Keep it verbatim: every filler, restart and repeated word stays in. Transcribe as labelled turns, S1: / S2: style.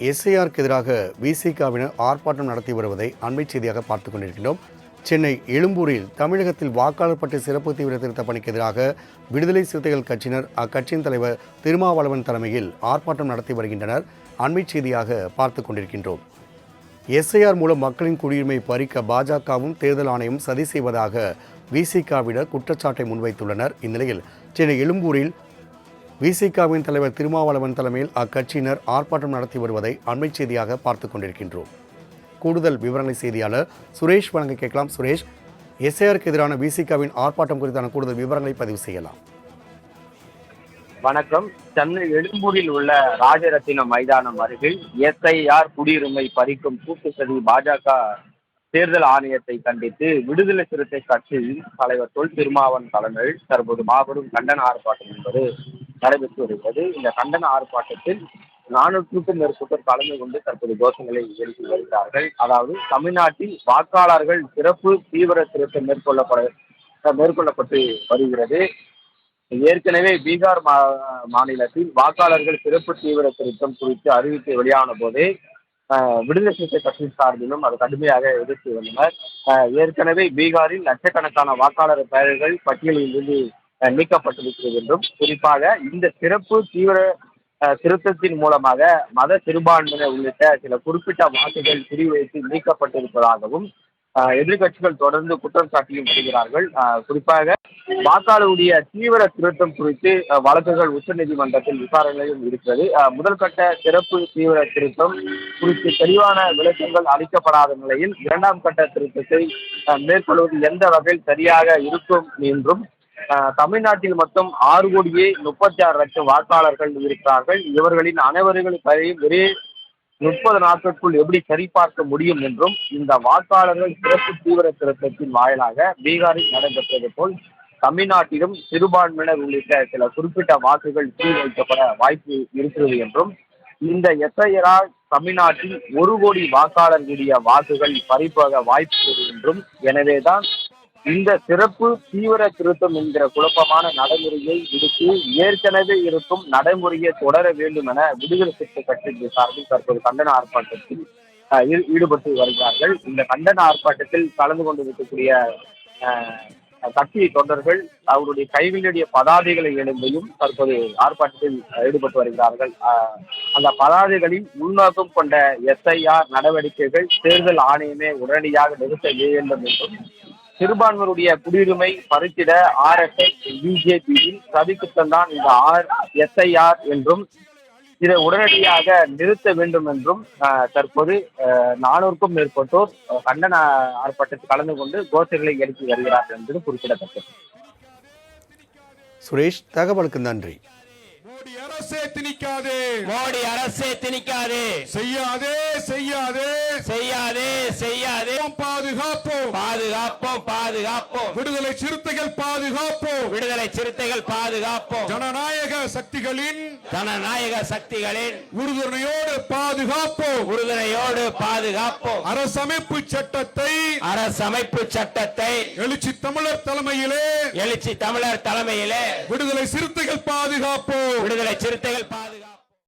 S1: எஸ்ஐஆருக்கு எதிராக விசிகாவினர் ஆர்ப்பாட்டம் நடத்தி வருவதை அண்மை செய்தியாக பார்த்துக் கொண்டிருக்கின்றோம். சென்னை எழும்பூரில் தமிழகத்தில் வாக்காளர் பட்டியல் சிறப்பு தீவிர திருத்த பணிக்கு எதிராக விடுதலை சிறுத்தைகள் கட்சியினர் அக்கட்சியின் தலைவர் திருமாவளவன் தலைமையில் ஆர்ப்பாட்டம் நடத்தி வருகின்றனர். அண்மை செய்தியாக பார்த்துக் கொண்டிருக்கின்றோம். எஸ்ஐஆர் மூலம் மக்களின் குடியுரிமை பறிக்க பாஜகவும் தேர்தல் ஆணையம் சதி செய்வதாக விசிகாவினர் குற்றச்சாட்டை முன்வைத்துள்ளனர். இந்நிலையில் சென்னை எழும்பூரில் விசிகாவின் தலைவர் திருமாவளவன் தலைமையில் அக்கட்சியினர் ஆர்ப்பாட்டம் நடத்தி வருவதை அண்மை செய்தியாக பார்த்துக் கொண்டிருக்கின்றோம். கூடுதல் விவரங்களை செய்தியாளர் சுரேஷ் வழங்க கேட்கலாம். சுரேஷ், எஸ்ஐஆருக்கு எதிரான விசிகாவின் ஆர்ப்பாட்டம் குறித்தான கூடுதல் விவரங்களை பதிவு செய்யலாம்.
S2: வணக்கம். சென்னை எழும்பூரில் உள்ள ராஜரத்தினம் மைதானம் அருகில் எஸ்ஐஆர் குடியுரிமை பறிக்கும் கூட்டு சதி பாஜக தேர்தல் ஆணையத்தை கண்டித்து விடுதலை சிறுத்தை கட்சியின் தலைவர் தொல் திருமாவன் தலைமையில் தற்போது மாபெரும் கண்டன ஆர்ப்பாட்டம் என்பது நடைபெற்று வருகிறது. இந்த கண்டன ஆர்ப்பாட்டத்தில் நானூற்றுக்கும் மேற்பட்டோர் கலந்து கொண்டு தற்போது கோஷங்களை எழுப்பி வருகிறார்கள். அதாவது தமிழ்நாட்டில் வாக்காளர்கள் சிறப்பு தீவிர திருத்தம் மேற்கொள்ளப்பட மேற்கொள்ளப்பட்டு வருகிறது. ஏற்கனவே பீகார் மா மாநிலத்தில் வாக்காளர்கள் சிறப்பு தீவிர திருத்தம் குறித்து அறிவித்து வெளியான போதே விடுதலை சிறுத்தை கட்சி சார்பிலும் அது கடுமையாக எதிர்த்து வந்தனர். ஏற்கனவே பீகாரில் லட்சக்கணக்கான வாக்காளர் பெயர்கள் பட்டியலில் இருந்து நீக்கப்பட்டிருக்கிறது என்றும், குறிப்பாக இந்த சிறப்பு தீவிர திருத்தத்தின் மூலமாக மத சிறுபான்மையினர் உள்ளிட்ட சில குறிப்பிட்ட வாக்குகள் குறிவைத்து நீக்கப்பட்டிருப்பதாகவும் எதிர்கட்சிகள் தொடர்ந்து குற்றம் சாட்டியும் வருகிறார்கள். குறிப்பாக வாக்காளருடைய தீவிர திருத்தம் குறித்து வழக்குகள் உச்சநீதிமன்றத்தில் விசாரணையும் இருக்கிறது. முதல் கட்ட சிறப்பு தீவிர திருத்தம் குறித்து தெளிவான விளக்கங்கள் அளிக்கப்படாத நிலையில் இரண்டாம் கட்ட திருத்தத்தை மேற்கொள்வது எந்த வகையில் சரியாக இருக்கும் என்றும், தமிழ்நாட்டில் மொத்தம் ஆறு கோடியே முப்பத்தி ஆறு லட்சம் வாக்காளர்கள் இருக்கிறார்கள். இவர்களின் அனைவர்களின் பெயரையும் ஒரே முப்பது நாட்களுக்குள் எப்படி சரிபார்க்க முடியும் என்றும், இந்த வாக்காளர்கள் சிறப்பு தீவிர திருத்தத்தின் வாயிலாக பீகாரில் நடைபெற்றது போல் தமிழ்நாட்டிலும் சிறுபான்மையினர் உள்ளிட்ட சில குறிப்பிட்ட வாக்குகள் சீர்வைக்கப்பட வாய்ப்பு இருக்கிறது என்றும், இந்த எஸ்ஐஆர் தமிழ்நாட்டில் ஒரு கோடி வாக்காளர்களுடைய வாக்குகள் பறிப்பாக வாய்ப்பு என்றும், எனவேதான் இந்த சிறப்பு தீவிர திருத்தம் என்கிற குழப்பமான நடைமுறையை விடுத்து ஏற்கனவே இருக்கும் நடைமுறையை தொடர வேண்டும் என விடுதலை சிறுத்தை கட்சியின் சார்பில் தற்போது கண்டன ஆர்ப்பாட்டத்தில் ஈடுபட்டு வருகிறார்கள். இந்த கண்டன ஆர்ப்பாட்டத்தில் கலந்து கொண்டிருக்கக்கூடிய கட்சி தொண்டர்கள் அவருடைய கைவினுடைய பதாதைகளை எழுந்தையும் தற்போது ஆர்ப்பாட்டத்தில் ஈடுபட்டு வருகிறார்கள். அந்த பதாதைகளில் உள்நோக்கம் கொண்ட எஸ்ஐஆர் நடவடிக்கைகள் தேர்தல் ஆணையமே உடனடியாக நிறுத்த வேண்டும் என்றும், சிறுபான்மையினுடைய குடியுரிமை பறித்திட ஆர்எஸ்எஸ் பிஜேபியில் சதிக்குத்தம் தான் இந்த ஆர் எஸ்ஐஆர் என்றும், இதை உடனடியாக நிறுத்த வேண்டும் என்றும் தற்போது நானூறுக்கும் மேற்பட்டோர் கண்டன ஆர்ப்பாட்டத்தில் கலந்து கொண்டு கோஷங்களை எழுப்பி வருகிறார்கள் என்பது குறிப்பிடத்தக்கது.
S1: சுரேஷ், தகவலுக்கு நன்றி.
S3: மோடி அரசே திணிக்காதே,
S4: மோடி அரசே திணிக்காதே,
S3: செய்யாதே செய்யாதே
S4: செய்யாதே செய்யாதே,
S3: பாதுகாப்போம்
S4: பாதுகாப்போம் பாதுகாப்போம்,
S3: விடுதலை சிறுத்தைகள் பாதுகாப்போம்,
S4: விடுதலை சிறுத்தைகள் பாதுகாப்போம்,
S3: ஜனநாயக சக்திகளின்
S4: ஜனநாயக சக்திகளின்
S3: உறுதுணையோடு பாதுகாப்போம்,
S4: உறுதுணையோடு பாதுகாப்போம்,
S3: அரசமைப்பு சட்டத்தை
S4: அரசமைப்பு சட்டத்தை
S3: எழுச்சி தமிழர் தலைமையிலே
S4: எழுச்சி தமிழர் தலைமையிலே
S3: விடுதலை சிறுத்தைகள் பாதுகாப்போம்,
S4: விடுதலை சிறுத்தைகள் பாதுகாப்போம்.